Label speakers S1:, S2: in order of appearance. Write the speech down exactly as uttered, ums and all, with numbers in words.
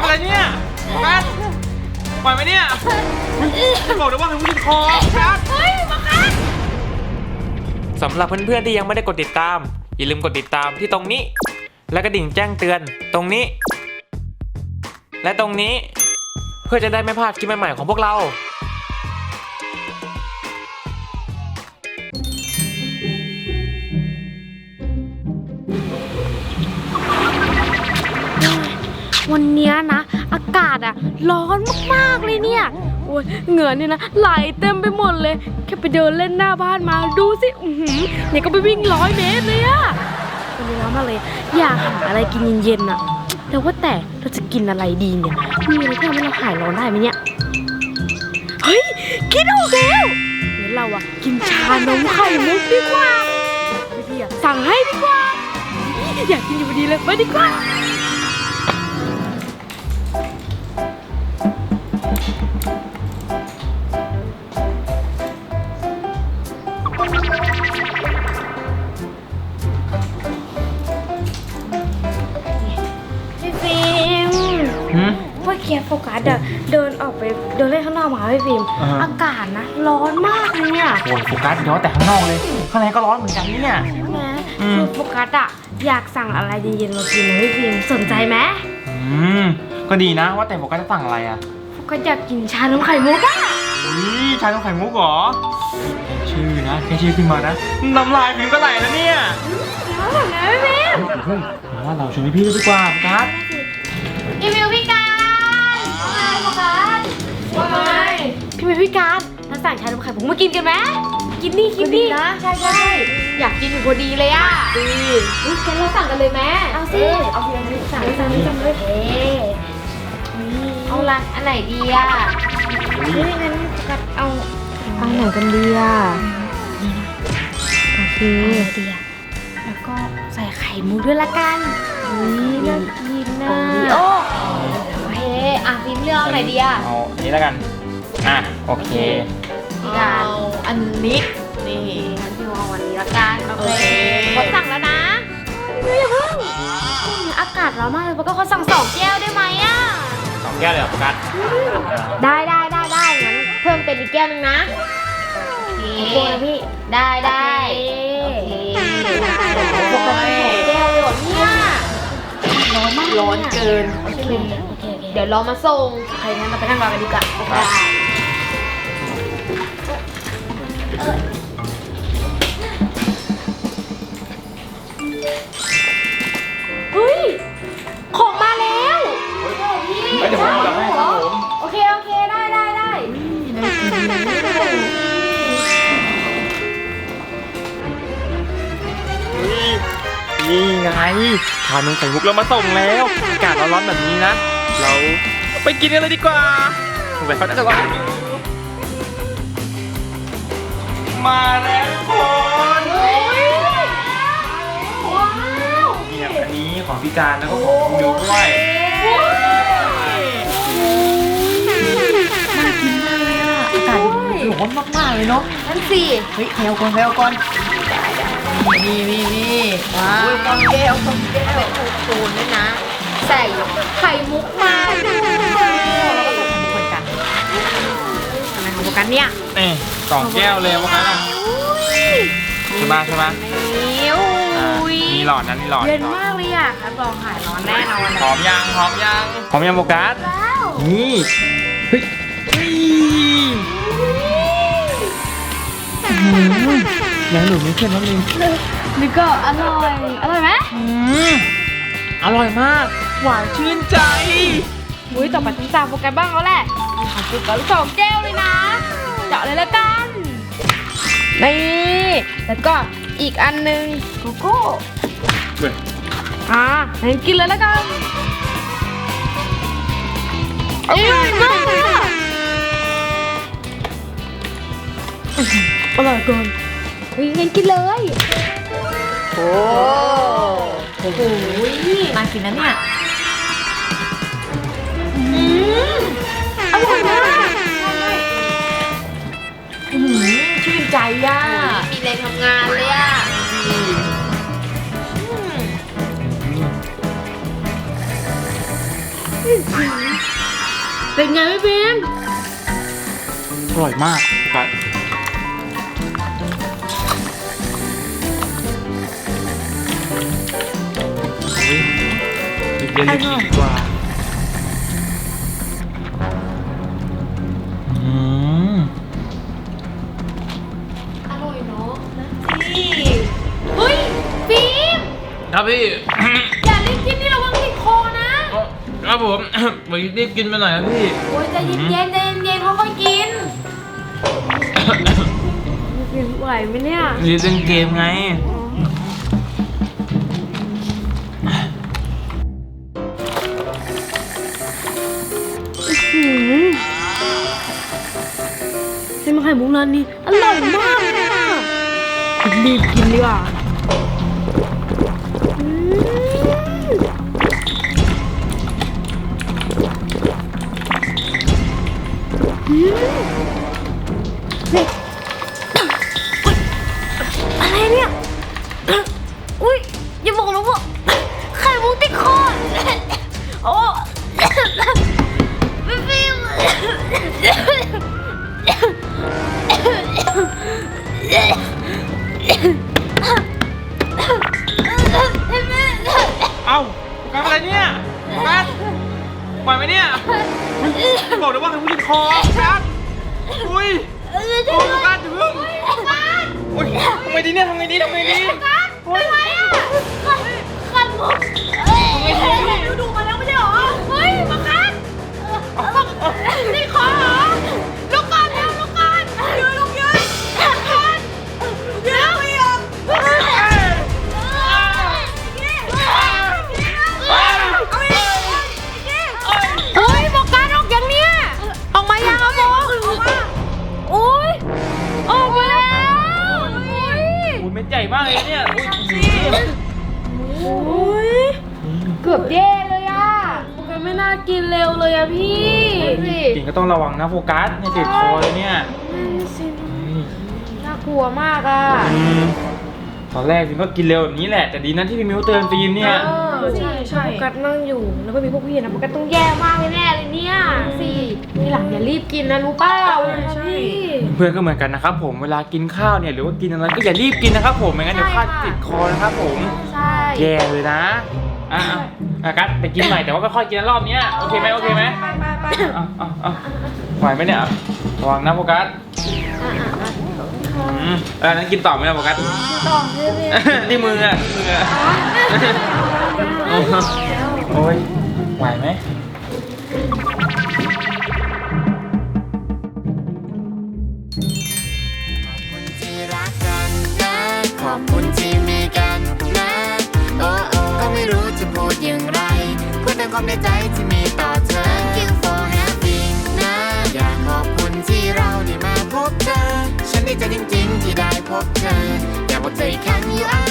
S1: อะไรเนี่ยแป๊ดปล่อยไหมเนี่ยจะบอกเลยว่าให้วิ่งคอครับเฮ้ยมาครับสำหรับเพื่อนๆที่ยังไม่ได้กดติดตามอย่าลืมกดติดตามที่ตรงนี้และกระดิ่งแจ้งเตือนตรงนี้และตรงนี้เพื่อจะได้ไม่พลาดคลิปใหม่ๆของพวกเรา
S2: วันนี้นะอากาศอะร้อนมากๆเลยเนี่ยโอ้ยเหงื่อเนี่ยนะไหลเต็มไปหมดเลยแค่ไปเดินเล่นหน้าบ้านมาดูสิอือหือเนี่ยก็ไปวิ่งร้อยเมตรเลยอะวันนี้ร้อนมากเลยอยากหาอะไรกินเย็นๆอะแต่ว่าแต่เราจะกินอะไรดีเนี่ยมีอะไรที่ทำให้เราหายร้อนได้ไหมเนี่ยเฮ้ยคิดออกแล้วงั้นเราอะกินชานมไข่มุกดีกว่าพี่ๆอะสั่งให้ดีกว่าอยากกินอยู่พอดีเลยไปดีกว่าเมื่อกี้โฟกัสอะเดินออกไปเดินเล่นข้างนอกมาพี่ฟิล์มอากาศนะร้อนมากเลยเนี่ย
S1: โอ้ยโฟกัสย้อนแต่ข้างนอกเลยข้างในก็ร้อนเหมือนกันเนี่ย
S2: ใช่ไหมคือโฟกัสอะอยากสั่งอะไรเย็นๆมากินนะพี่ฟิล์มสนใจไหม
S1: อืมก็ดีนะว่าแต่โฟกัสจะสั่งอะไรอะ
S2: โฟกัสอยากกินชานมไข่มุกอะ
S1: นี่ชานมไข่มุกเหรอชื่อนะแค่ชื่อขึ้นมานะน้ำลายพิมก็ไหลแล้วเนี่ย
S2: น้ำแบบไหนพี่ฟิล์ม
S1: เฮ้ยว่าเราชวนพี่ดีกว่าโฟกัส
S2: รีวิวพี่การโฟกัสว่าไงพี่วิวพี่การเราสั่งชานมไข่มุกมากินกันไหมกินนี่กินนี่นะใช่ใช่อยากกินอยู่พอดีเลยอ่ะดีงั้นเราสั่งกันเลยไหมเอาสิเอาทีละนิดสั่งสั่งนิดสั่งเลยเอาร้านอันไหนดีอ่ะเฮ้ยงั้นกัดเอาเอาไหนกันดีอ่ะนี่นะโอเคดีอ่ะแล้วก็ใส่ไข่มุกด้วยละกันนี่น่ากินนะโอ้โอเคอ่ะพิมพ์เลือกอะไรดีอ่ะ
S1: เอาอันนี้แล้วกันอ่ะโอเค
S2: เอาอันนี้นี่งั้นพิมพ์เอาวันนี้ละกันโอเคเขาสั่งแล้วนะไม่อย่าเพิ่งอากาศร้อนมากเลยเพราะก็เขาสั่งสองแก้วได้ไหมอ่ะ
S1: สองแก้วเลยเหรอโฟกัส
S2: ได้ได้ได้ได้งั้นเพิ่มเป็นอีกแก้วนึงนะโอเคนะพี่ได้ได้โอเคปกติสองแก้วเลยเหรอเนี่ยร้อนมากร้อนเกินโอเคโอเคเดี๋ยวรอมาส่งใครงั้นเราไปนั่งรอกันดีกว่าได้เฮ้ยของมาแล้วพี่
S1: เดี๋ยวผมสั่งให้ครับผม
S2: โอเคโอเคได้ได้ได้
S1: นี่ไงชานมไข่มุกเรามาส่งแล้วอากาศร้อนๆแบบนี้นะเราไปกินกันเลยดีกว่าสงสัยเขาจะร้อนมาแล้วทุกคน
S2: ว้าว
S1: เนี่ยอันนี้ของพี่การแล้วก็ของคุณมิวด้วย
S2: น่ากินมากเลยอ่ะอากาศร้อนมากๆเลยเนาะนั่นสิเฮ้ยใครเอาก่อนใครเอาก่อนนี่นี่นี่ว้าวก้อนแก้วก้อนแก้วเป็นโคนๆด้วยนะใส่ไข่มุกมาด้วยแล้วก็ใส่ไข่มุกเหมือนกันอะไรของพวกกันเนี่ย
S1: นี่สองแก้วเลยพวกนั้นใช่ไหมใช่ไหมมีหลอดนั้นมีหลอด
S2: เย็นมากเลยอ่ะรับรองหายร้อนแน่นอน
S1: หอมยังหอมยังหอมยังโฟกัสนี่เฮ้ยยังหนูไม่เค็มน้ำมิน
S2: นี่ก็อร่อยอร่อยไหม
S1: อร่อยมากหวานชื่นใจ
S2: อุ้ยต่อไปต้องสั่งโฟกัสบ้างแล้วแหละขอโฟกัสสองแก้วเลยนะเจาะเลยละกันนี่แล้วก็อีกอันนึงโกโก้อ่างั้นกินเลยละกันอร่อยมากเลยอ่ะอร่อยเกินเฮ้ยงั้นกินเลยโอ้โหน่ากินนะเนี่ยอืมอร่อยมากชื่นใจอ่ะมีแรงทำงานเลยอ่ะนเป็นไงพี่บีม
S1: อร่อยมากกัดเย็นๆดีกว่าอืม
S2: อร่อยเนาะพี่เฮ้ยบีม
S1: ครับพี่
S2: อย่ารีบกินนี่ระวังติดคอนะ
S1: ครับผม ไปรีบกินไปหน่อยครับพี่
S2: โอ้ยใจเย็นๆใจเย็นๆค่อยๆกินกินไหวไหมเนี่ย
S1: นี่เล่นเกมไง
S2: หืมเส้นมะไข่มุกร้านนี้อร่อยมากเลยอะรีบกินดีกว่าอืมอืมเฮ้ยอะไรเนี่ยอุ้ยอย่าบอกนะว่าไข่มุกติดคอโอ้พี่ฟิล์ม
S1: เอ้าโฟกัสอะไรเนี่ยโฟกัสปล่อยไหมเนี่ยบอกเลยว่าเป็นผู้ติดคอโฟกัสอุ้ยโอ้ยโฟกัสอย่าเพิ่งโอ้ยทำไงดีเนี่ยทำไงดีทำไงดีโอ้ย
S2: ขันมุกดูดูมาแล้วไม่ใช่หรอ เฮ้ยมาคันนี่ขอเหรอลูกก่อนแล้วลูกก่อนยืนลูกยืนคันยืนไม่ยอมเฮ้ยบอกการออกยังเนี่ยออกมายังเอาบอกออกมาโอ้ยออกมาแล้วโอ้ย
S1: โอ้ยเม็ดใหญ่มากเลยเนี่ยอุ้ย
S2: โอ้ยเกือบแย่เลยอ่ะมันไม่น่ากินเร็วเลยอะพี่
S1: กินก็ต้องระวังนะโฟกัสเนี่ยติดคอเลยเนี่ย
S2: น่ากลัวมากอ่ะ
S1: อืมตอนแรกฟิล์มก็กินเร็วแบบนี้แหละแต่ดีนะที่พี่มิวเตือนฟิล์มเนี่ย
S2: ใช่ใช่โฟกัสนั่งอยู่แล้วก็มีพวกพี่นะโฟกัสต้องแย่มากแน่ๆเลยเนี่ยสิทีหลังอย่ารีบกินนะรู้เปล่าใช่
S1: เพื่อนก็เหมือนกันนะครับผมเวลากินข้าวเนี่ยหรือว่ากินอะไรก็อย่ารีบกินนะครับผมไม่งั้นเดี๋ยวข้าวติดคอนะครับผม
S2: ใช่
S1: แย่เลยนะอ่ะอ่ะกัสไปกินใหม่แต่ว่าไม่ค่อยกินนะรอบเนี้ยโอเคไหมโอเคไหม
S2: ไปไปไป
S1: อ่ะอ่ะอ่ะไหวไหมเนี่ยระวังนะโฟกัสอืมเออนั้นกินต่อไหมนะโฟกัส
S2: ต่อเลยพี่
S1: ที่มืออ่ะมืออ่ะโอ้ยไหวไหม
S3: ที่รักกันนะขอบคุณที่มีกันนะโอ้โอ้ก็ไม่รู้จะพูดอย่างไรพูดแต่ความในใจที่มีต่อเธอ Thank you for having นะอยากขอบคุณที่เราได้มาพบเธอ ฉันดีใจจริงๆที่ได้พบเธออยากบอกเธออีกครั้ง you are